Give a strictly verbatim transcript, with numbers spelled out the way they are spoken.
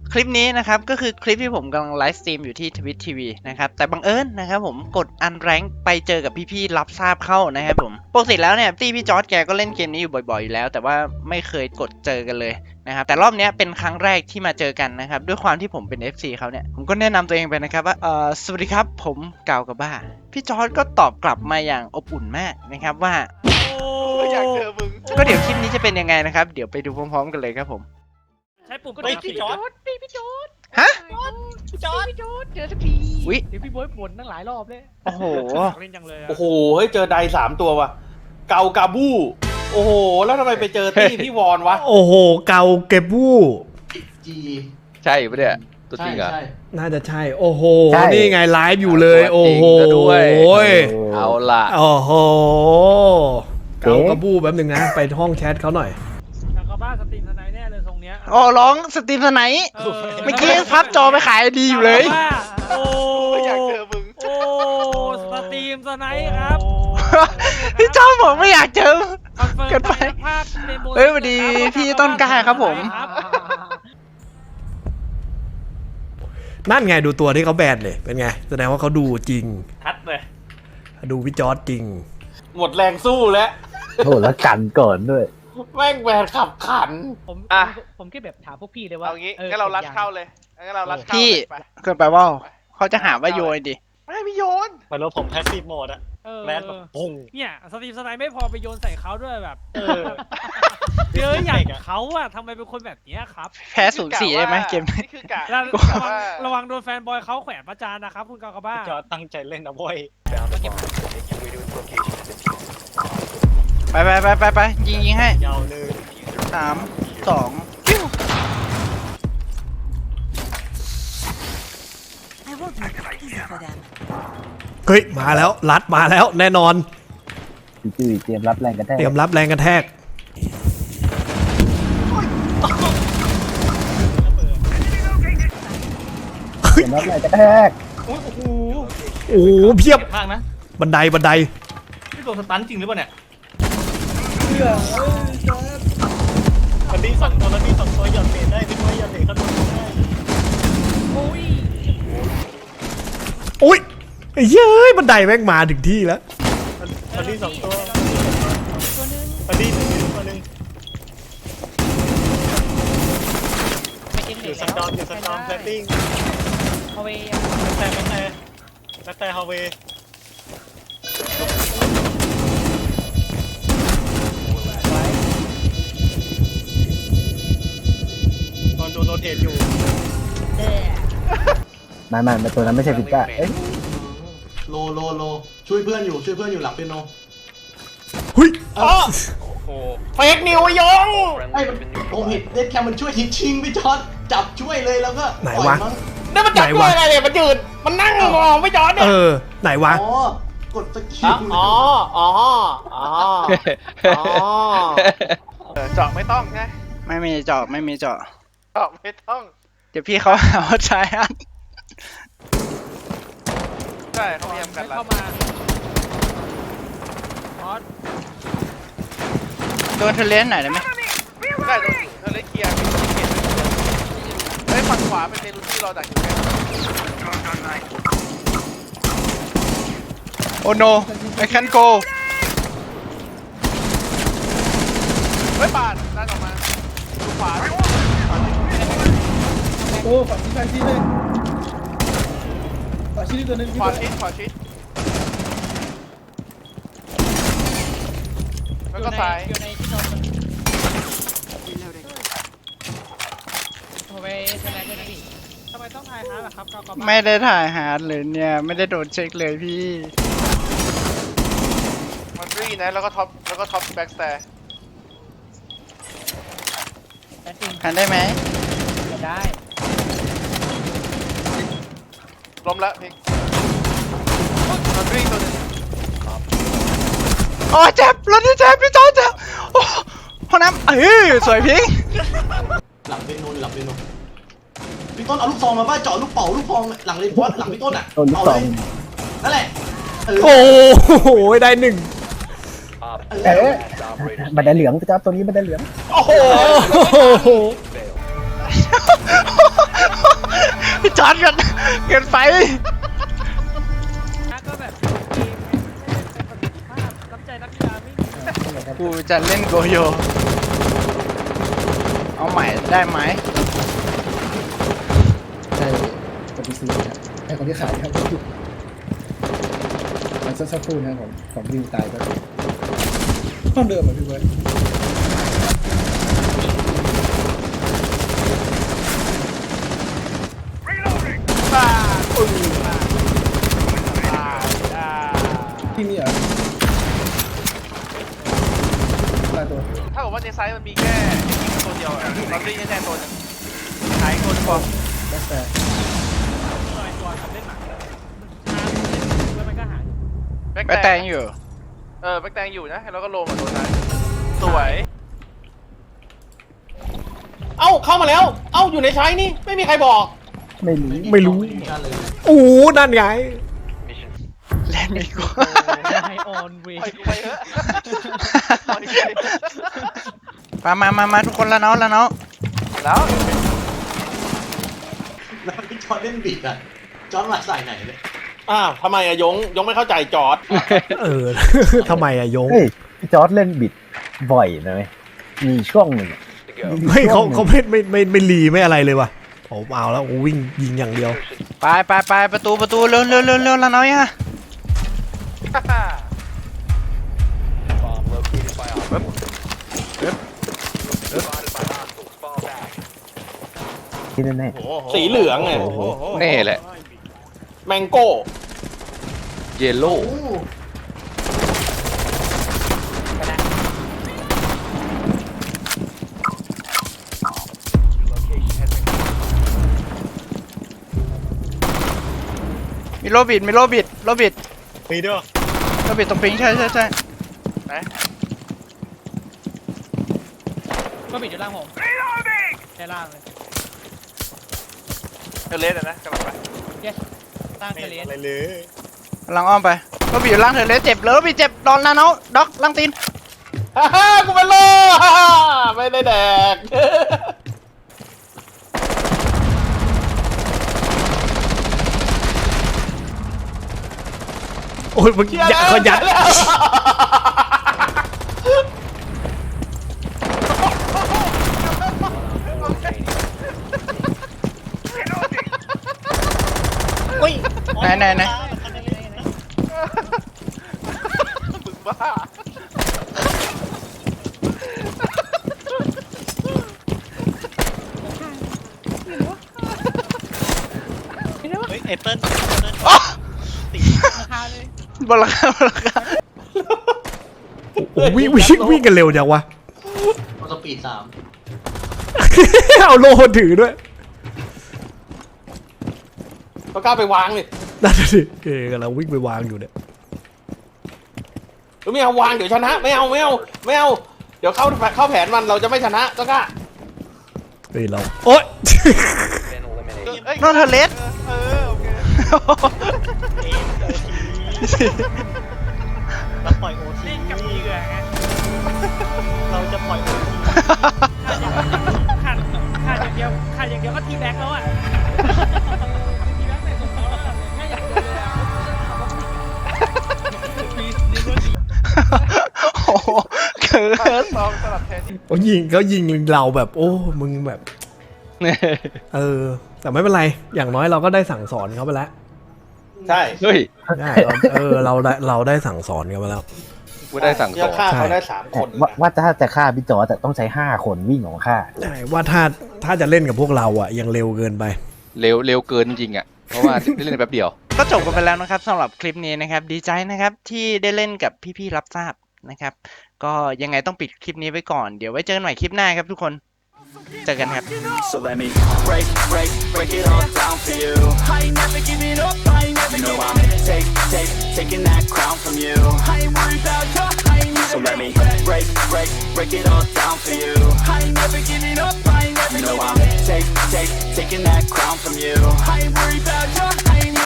คลิปนี้นะครับก็คือคลิปที่ผมกำลังไลฟ์สตรีมอยู่ที่ทวิตทีวีนะครับแต่บังเอิญนะครับผมกดอันแรงไปเจอกับพี่ๆรับทราบเข้านะครับผมปกติแล้วเนี่ยตีพี่จอร์จแกก็เล่นเกมนี้อยู่บ่อยๆอยู่แล้วแต่ว่าไม่เคยกดเจอกันเลยนะครับแต่รอบนี้เป็นครั้งแรกที่มาเจอกันนะครับด้วยความที่ผมเป็น เอฟ ซี เขาเนี่ยผมก็แนะนำตัวเองไปนะครับว่าเอ่อสวัสดีครับผมกาวกับบ้าพี่จอร์จก็ตอบกลับมาอย่างอบอุ่นมากนะครับว่าอยากเจอมึงก็เดี๋ยวคลิปนี้จะเป็นยังไงนะครับเดี๋ยวไปดูพร้อมๆกันเลยครับผมใช้ปุ่มก็เฮ้ได้ยพี่จอร์จพี่พี่จอร์จฮะพี่จอร์จพี่จอร์จเจอสักทีอุ๊ยเดี๋ยวพี่บอยบ่นตั้งหลายรอบเลยโอ้โหเล่นจังเลยโอ้โหเฮ้ยเจอไดสามตัวว่ะเกากาบูโอ้โหแล้วทำไมไปเจอตี้พี่วอนวะโอ้โหเกาเก็บวู้จีใช่ปะเนี่ยตัวจริงเหรอใช่น่าจะใช่โอ้โหใช่นี่ไงไลฟ์อยู่เลย โอ้โหตัวจริงซะด้วยเอาล่ะโอ้โหเกากระบู้แป๊บหนึ่งนะ ไปห้องแชทเขาหน่อยแล้วก็บ้าสตรีมทนายแน่เลยทรงเนี้ยอ๋อร้องสตรีมสไนท์เออเมื่อกี้พับจอไปขายดีอยู่เลยโอ้อยากเจอมึงโอ้สตรีมสไนท์ครับพี่จอมผมไม่อยากเจอคอนเฟิร์มเกินไปภาพในโบเฮ้ยสวัสดีพี่ต้นกล้าครับผมนั่นไงดูตัวที่เขาแบนเลย เป็นไง แสดงว่าเขาดูจริงทัดเลยดูพี่จอร์จจริงหมดแรงสู้แล้วโอ้แล้วกันก่อนด้วยแม่งแหวนขับขันผมอ่ะผมแค่แบบถามพวกพี่เลยว่าเอางี้อองั้นเรารัดผมอยกเข้าเลยงั้นเรารัดเข้าพี่เลยไปเกินไปว่าเขาจะหาว่าโยนดิไม่มีโยนเหมือนว่าผมแพสซีฟโหมดอะเออแลนแบบปุ้งเนี่ยสตรีมสไนท์ไม่พอไปโยนใส่เขาด้วยแบบเออเยอะอย่างเขาอะทำไมเป็นคนแบบเนี้ยครับแพ้ศูนย์สี่ได้ไหมเกมนี่คือกะแล้วนี่คือกะระวังว่าระวังโดนแฟนบอยเขาแขวนประจานนะครับคุณกากาบ้าจอตั้งใจเล่นนะเว้ยไปไปไปไปไปยิงยิงให้ยาวเลยสามสองปิ้ว I won't make it easy for them. เฮ้ย มาแล้ว รัดมาแล้ว แน่นอนพี่จุ้ยเตรียมรับแรงกระแทกเตรียมรับแรงกระแทกเตรียมรับแรงกระแทกโอ้โหโอ้โหเพียบมากนะบันไดบันไดนี่โดนสตันจริงหรือเปล่าเนี่ยมันดีสองตัวแล้วมีสองตัวหย่อนเบรได้พี่ว่าหย่อนเบรก็โดนได้โอ้ยอุ้ยไอ้เย้ยบันไดแม่งมาถึงที่แล้วมันดีสองตัวตัวนึงมันดีหนึ่งตัวหนึ่งไม่กินอเด็ยู่กสตอมอยู่สตอมแพลตติ้งเอาไปแต่แต่แต่แต่ฮาวเวย์ตอนโดนโรเทตอยู่มามามาตัวนั้นไม่ใช่พิก้าเอ้ยโลโลโลช่วยเพื่อนอยู่ช่วยเพื่อนอยู่หลังเปียโนหุ้ยเอ้าเฟกนิวยงไอ้ผมเห็นเด็ดแคมมันช่วยทีชิงพี่จอร์ดจับช่วยเลยแล้วก็ไหนปล่อยวะมั้งนี่มันจับตัวอะไรเนี่ยมันยืนมันนั่งมองไม่จอดเนี่เอย อ ไหนวะอ๋อกดสกิลอ๋ออ๋ออ๋ออ๋อเจาะไม่ต้องไงไม่มีเจาะไม่มีเจาะเจาะไม่ต้องเดี๋ยวพี่เขาหาว่าใช้อันใช่เขาพยายามกันไม่รัเข้าดมาพอดโดนเทเลนหน่อยได้ไหมได้ตรงอยู่เธอเลยเคลียร์เฮ้ยฝั่งขวาเป็นเมลูซี่รอดักอยู่แค่โอ้โน I can't go เฮ้ยปาดด้านออกมาดูขวาโอ้ฝันที่ใครที่เลยฝันที่ตัวนึงขวาชิดขวาชิดแล้วก็ซ้ายอยู่ในที่นอนโอ้ยทนายด้วยนะพี่ทำไมต้องทายฮาร์ดล่ะครับกากาบ้าไม่ได้ถ่ายฮาร์ดเลยเนี่ยไม่ได้โดนเช็คเลยพี่มันรีนะแล้วก็ท็อปแล้วก็ท็อปแบ็กสแตร์แอนติงทันได้ไหมได้ล้มละพิกมันรีตัวนึงโอ้เจ็บรถที่เจ็บพี่จอเจ็บโอ้ห้องน้ำเอ้ยสวยพิงหลังเปียโนหลังเปียโนพี่ต้นเอาลูกซองมาป้าเจาะลูกเป่าลูกพองหลังเลยบอสหลังพี่ต้นอ่ะต้นลูกเอาซเลองยนั่นแหละเออโอ้โหได้หนึ่งเอ๊ะบันไดเหลืองพี่จ้าตัวนี้บันไดเหลืองโอ้โหโอ้โหจอดกันเกินไปก็แบบเกมเป็นประสิทธิภาพน้ำใจนักกีฬาไม่มีกูจะเล่นโกโย เอาใหม่ได้ไหมใช่คนที่ซื้อครับไอ้คนที่ขายครับมันสักครู่นะผมผมวิวตายก็ห้องเดิมอ่ะพี่เบิร์ดบ้าปึ้งบ้าบ้าบ้าที่นี่เหรอตายตัวถ้าบอกว่าในไซส์มันมีแค่ตัวเดียวอะเราตีแน่ๆตัวหนึงหายคนพอแบ็คแฟร์ตัวไอ้ตัวทำเล่นหนังช้าเล่นแล้วมันก็หายแบ็คไปแต่งอยู่เออแบ็คแตงอยู่นะแล้วก็โลมาตัวท้ายสวยเอ้าเข้ามาแล้ว เอ้าอยู่ในใช้นี่ไม่มีใครบอกไม่รู้ไม่รู้กันเลยโอ้นั่นไงเล่นไม่กูไอออนเวปล่อยกูไปเถอะปล่อยกูไปเถอะมามามามาทุกคนแล้วเนาะแล้วเนาะแล้วแล้วพี่จอร์ดเล่นบิดอ่ะจอร์ดมาใส่ไหนเลยอ้าวทำไมอะยงยงไม่เข้าใจจอร์ดเออ ทำไมอะโยงเฮ้ยพี่จอร์ดเล่นบิดบ่อยนะเว้ยมีช่วงหนึ่งอะไม่เขาเขาไม่ไม่ไม่ไม่รีไม่อะไรเลยว่ะผมเอาแล้วโอ้วิ่งยิงอย่างเดียวไปไปไปประตูประตูเร็วเร็วเร็วเร็วแล้วเนาะยังที่แน่สีเหลืองไงแน่แหละแมงโก้เยลโล่มีโรบิดมีโรบิดโรบิดมีด้วยโรบิดตรงปิงใช่ใช่ใช่ไหนก็ปิดอยู่ล่างผมแค่ล่างเลยเออเลสอะนะกำลังไป yes ล่างเทเลสอะไรเลยกำลังอ้อมไปโรบิดอยู่ล่างเธอเลยเจ็บเลยโรบิดเจ็บโดนแล้วเนาะด็อกล่างตีนฮ่าฮ่ากูเป็นโลฮ่าฮ่าไม่ได้แดกโอ้ยมันยัดเขายัดไหนไหนไหนมึงบ้าเฮ้ยเอเปิ้ลอ๋อราคาเลยบนราคาบนราคาโอ้วิ่งวิ่งวิ่งกันเร็วจังวะมอสปีดสามเอาโลถือด้วยเขากล้าไปวางเลยนั่นน่ะสิเกกำลังวิ่งไปวางอยู่เนี่ยหรือไม่เอาวางเดี๋ยวชนะไม่เอาไม่เอาไม่เอาเดี๋ยวเข้าเข้าแผนมันเราจะไม่ชนะก็กล้าเฮ้ยเราโอ๊ยเอ้ยนอนเธอเลสเออโอเคเราปล่อยโอทีเล่นกับเหยื่อไงเราจะปล่อยโอทีขาดขาดอย่างเดียวขาดอย่างเดียวก็ทีแบ็กแล้วอ่ะทีแบ็กใส่สมองแล้วอะแค่อย่างเดียวเลยอะมีนี่ก็ดีโอ้โหเกินซองสลับแทนที่เขายิงเขายิงเราแบบ โอ้มึงแบบ เออ แต่ไม่เป็นไร อย่างน้อยเราก็ได้สั่งสอนเขาไปแล้วใช่เฮ้ยใช่เราเออเราได้เราได้สั่งสอนเขาไปแล้วกูได้สั่งสอนฆ่าเขาได้สามๆคนว่าว่าถ้าจะฆ่าพี่จอร์ดแต่ต้องใช้ห้าคนวิ่งของฆ่าใช่ว่าถ้าถ้าจะเล่นกับพวกเราอ่ะยังเร็วเกินไปเร็วเร็วเกินจริงอ่ะ เพราะว่าได้เล่นแป๊บเดียวก็จบกันไปแล้วนะครับสำหรับคลิปนี้นะครับ ดีใจนะครับที่ได้เล่นกับพี่ๆรับทราบนะครับ ก็ยังไงต้องปิดคลิปนี้ไว้ก่อนเดี๋ยวไว้เจอกันใหม่คลิปหน้าครับทุกคนเจอกันครับ So let me break, break, break it all down for you. I ain't never giving up, I ain't never you know giving I'm up. Take, take, taking that crown from you. I ain't worried about you, I ain't never So let me break, break, break it all down for you. I ain't never giving up, I ain't never you know giving I'm take, take, taking that crown from you. I ain't worried about you, I ain't